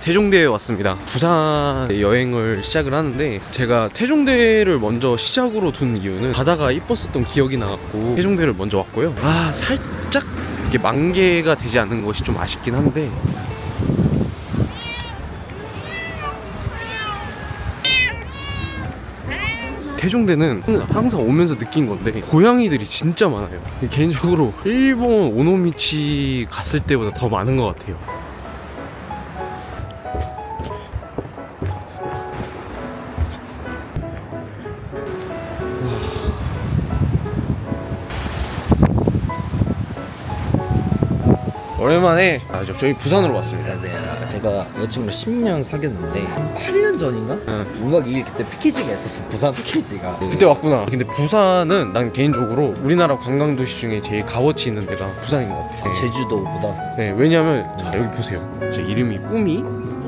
태종대에 왔습니다. 부산 여행을 시작을 하는데 제가 태종대를 먼저 시작으로 둔 이유는 바다가 이뻤었던 기억이 나갖고 태종대를 먼저 왔고요. 살짝 이게 만개가 되지 않는 것이 좀 아쉽긴 한데 태종대는 항상 오면서 느낀 건데 고양이들이 진짜 많아요. 개인적으로 일본 오노미치 갔을 때보다 더 많은 것 같아요. 오랜만에 저희 부산으로 왔습니다. 안녕하세요. 제가 여자친구를 10년 사귀었는데 8년 전인가? 5박 2일 그때 패키지가 있었어. 부산 패키지가. 그때 왔구나. 근데 부산은 난 개인적으로 우리나라 관광도시 중에 제일 값어치 있는 데가 부산인 것 같아. 제주도보다. 네, 왜냐면 자 여기 보세요. 제 이름이 꾸미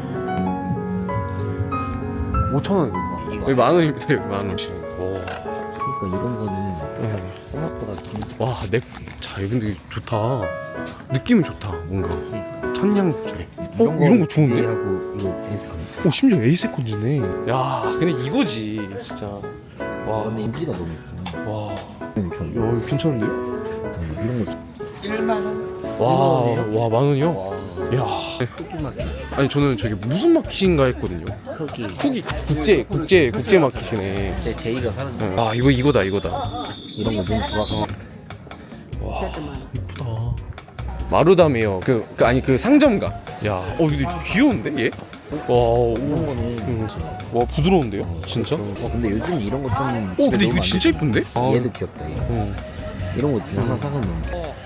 5,000원입니다. 여기 10,000원입니다. 여기 10,000원. 와. 그러니까 이런 거는 생각보다 와, 자, 근데 좋다. 느낌이 좋다. 뭔가 천냥부자리. 이런 거 좋은데? 하고 이거 에이스컨. 심지어 에이세컨즈네. 야, 근데 이거지 진짜. 와, 근데 인지가 너무 예쁘네. 와, 전 이거 괜찮은데요? 이런 거 1만 원. 와, 10,000원이요? 와. 야, 크기 마켓. 아니 저는 저기 무슨 마켓인가 했거든요. 크기. 국제 마켓이네. 제 제이가 사라졌어. 아, 이거다. 이런 거 너무 좋아서. 와, 이쁘다. 마루다메요. 아니 그 상점가. 야, 근데 귀여운데 얘? 와, 이런 거는 와, 부드러운데요? 진짜? 근데 요즘 이런 거 좀. 근데 이거 진짜 이쁜데? 얘도 귀엽다. 얘. 이런 거 진짜 하나 사가면.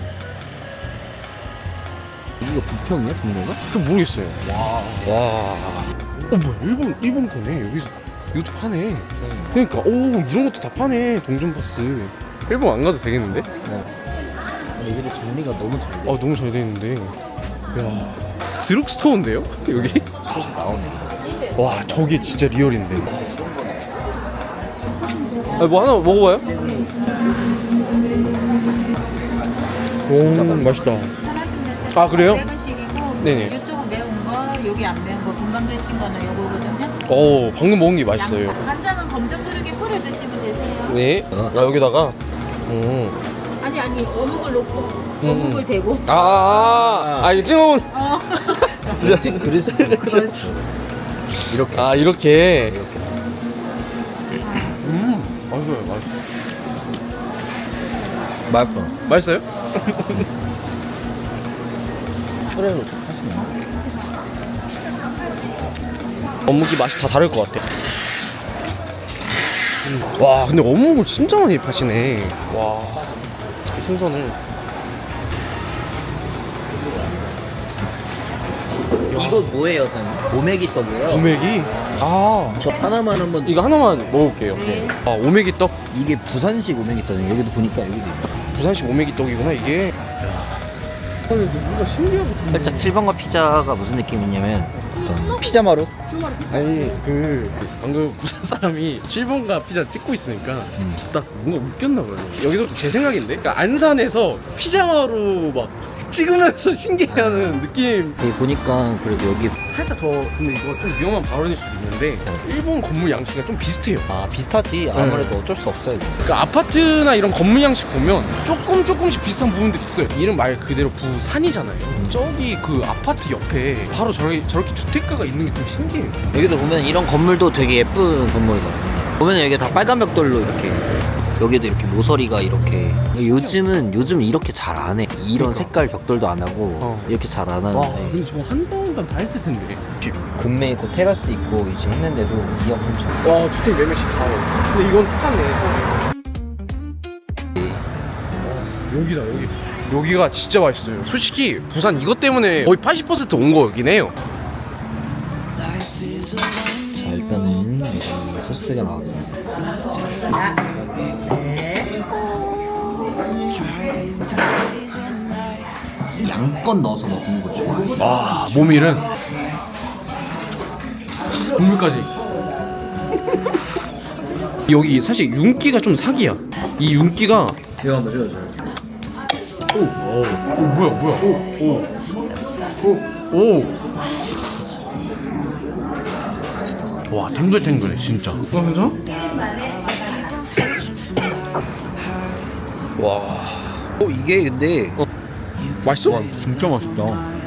이거 부평이야 동네가? 그 모르겠어요. 와. 뭐야? 일본 거네. 여기서 이것도 파네. 그러니까 이런 것도 다 파네. 동전 파스. 일본 안 가도 되겠는데? 얘들이 정리가 너무 잘 돼. 너무 잘 돼 있는데. 야, 드럭스토어인데요? 여기? 소스 나오네. 와, 저게 진짜 리얼인데. 뭐 하나 먹어봐요? 맛있다. 아, 그래요? 네네. 이쪽은 매운 거, 여기 안 매운 거, 금방 드신 거는 요거거든요. 방금 먹은 게 맛있어요. 간장은 검정그릇에 뿌려 드시면 되세요. 네. 여기다가. 아니 어묵을 넣고 어묵을 대고. 이거 찍어본. 그릇이 좀 크다 했어. 이렇게. 이렇게. 맛있어요. 맛있어. 맛있어요? 프레로 좀 하시면. 어묵이 맛이 다 다를 것 같아. 와, 근데 어묵을 진짜 많이 파시네. 와, 이 생선을. 이거 뭐예요, 선생님? 오메기 떡이에요. 오메기? 저 하나만 한번. 이거 하나만 먹을게요. 오메기 떡? 이게 부산식 오메기 떡이에요. 여기도 보니까 여기도 있네. 부산식 오메기 떡이구나 이게. 근데 뭔가 신기하고 살짝 7번가 피자가 무슨 느낌이냐면 피자 마루? 아니 방금 부산 사람이 7번가 피자 찍고 있으니까 딱 뭔가 웃겼나 봐요. 여기서부터 제 생각인데, 그러니까 안산에서 피자로 막 찍으면서 신기해하는 느낌. 여기 보니까 그래도 여기 살짝 근데 이거 좀 위험한 발언일 수도 있는데 일본 건물 양식이 좀 비슷해요. 비슷하지. 아무래도 어쩔 수 없어요. 그러니까 아파트나 이런 건물 양식 보면 조금씩 비슷한 부분들이 있어요. 이름 말 그대로 부산이잖아요. 저기 그 아파트 옆에 바로 저렇게 주택가가 있는 게 좀 신기해요. 여기도 보면 이런 건물도 되게 예쁜 건물이거든요. 보면 여기 다 빨간 벽돌로 이렇게, 여기도 이렇게 모서리가 이렇게. 요즘 이렇게 잘 안 해. 이런 그러니까. 색깔 벽돌도 안 하고 이렇게 잘 안 와, 하는데. 근데 저거 한 번만 다 했을 텐데. 공매 있고 테라스 있고 이제 했는데도 2억 3천. 와, 주택 매매 14억. 근데 이건 똑같네. 여기다. 여기가 진짜 맛있어요. 솔직히 부산 이것 때문에 거의 80%온 거긴 해요. 자, 일단은 여기 소스가 나왔습니다. 양껏 넣어서 먹는 거 좋아하시죠? 와, 모밀은 국물까지. 여기 사실 윤기가 좀 사기야. 이 윤기가. 이거 한번 찍어줘요. 뭐야. 오. 와 탱글탱글해 진짜. 괜찮아? 와. 이게 근데 맛있어? 진짜 맛있다.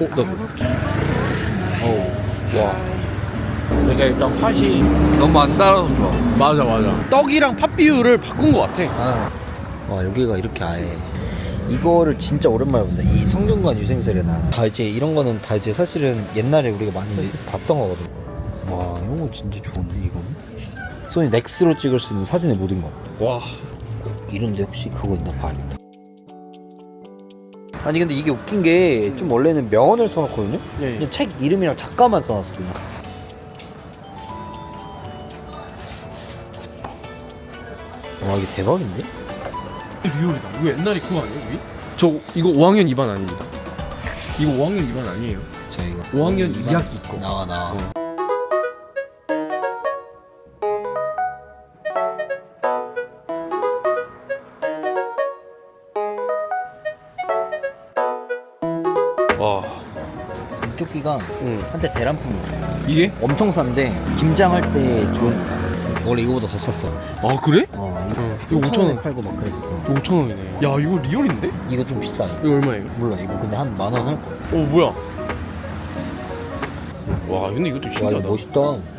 와. 이게 일단 팥이 너무 안 달아서 좋아. 맞아. 떡이랑 팥 비율을 바꾼 것 같아. 와 여기가 이렇게 아예 이거를 진짜 오랜만에 본다. 이 성균관 유생설이나 다 이제 이런 거는 다 이제 사실은 옛날에 우리가 많이 봤던 거거든. 와 이런 거 진짜 좋은데 이거는 소니 넥스로 찍을 수 있는 사진의 모든 거. 와. 이런데 혹시 그거 있나 봐야겠다. 아니 근데 이게 웃긴 게 좀 원래는 명언을 써놓거든요. 예. 그냥 책 이름이랑 작가만 써놨어 그냥. 와 이게 대박인데? 리얼이다. 이거 옛날에 그거 아니에요? 위? 저 이거 5학년 2반 아닙니다. 이거 5학년 2반 아니에요. 저 이거 5학년 2학기 거. 나와. 와. 이쪽기가 응. 한때 대란품이었어. 이게? 엄청 싼데 김장할 때 좋은. 원래 이거보다 더 쌌어. 아 그래? 이거 이거 5,000원 팔고 막 그랬었어. 5,000원이네. 야 이거 리얼인데? 이거 좀 비싸. 이거 얼마예요? 몰라 이거 근데 한 10,000원 할 거야. 오 뭐야? 와 근데 이것도 와 신기하다. 이거 멋있다.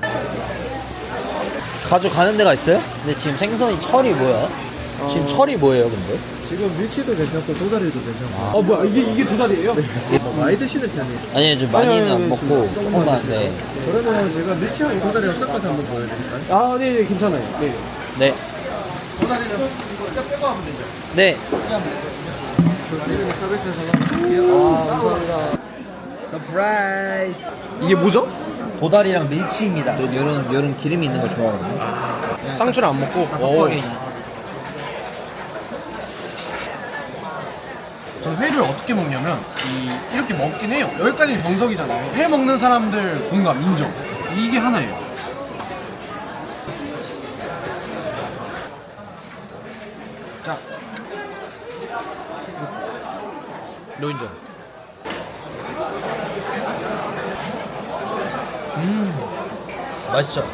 가져가는 데가 있어요? 근데 지금 생선이 철이 뭐야? 지금 철이 뭐예요 근데? 지금 밀치도 괜찮고 도다리도 괜찮고 뭐야 이게 두 달이에요? 많이 드시는 편이에요. 아니 좀 많이는 안 먹고 조금만 하는데. 그러면 제가 밀치하고 도다리랑 섞어서 한번 보여드릴까요? 아 네 괜찮아요. 네. 네. 도다리는 이거 빼고 하면 되죠. 네. 도다리는 서비스에서 드릴게요. 감사합니다. 서프라이즈. 이게 뭐죠? 도다리랑 밀치입니다. 요런 기름이 있는 걸 좋아하거든요. 쌍추를 안 먹고. 저는 회를 어떻게 먹냐면 이렇게 먹긴 해요. 여기까지는 정석이잖아요. 회 먹는 사람들 공감 인정. 이게 하나예요. 자, 노인정. 맛있죠?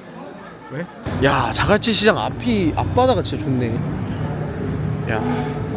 왜? 야 자갈치 시장 앞바다가 진짜 좋네. 야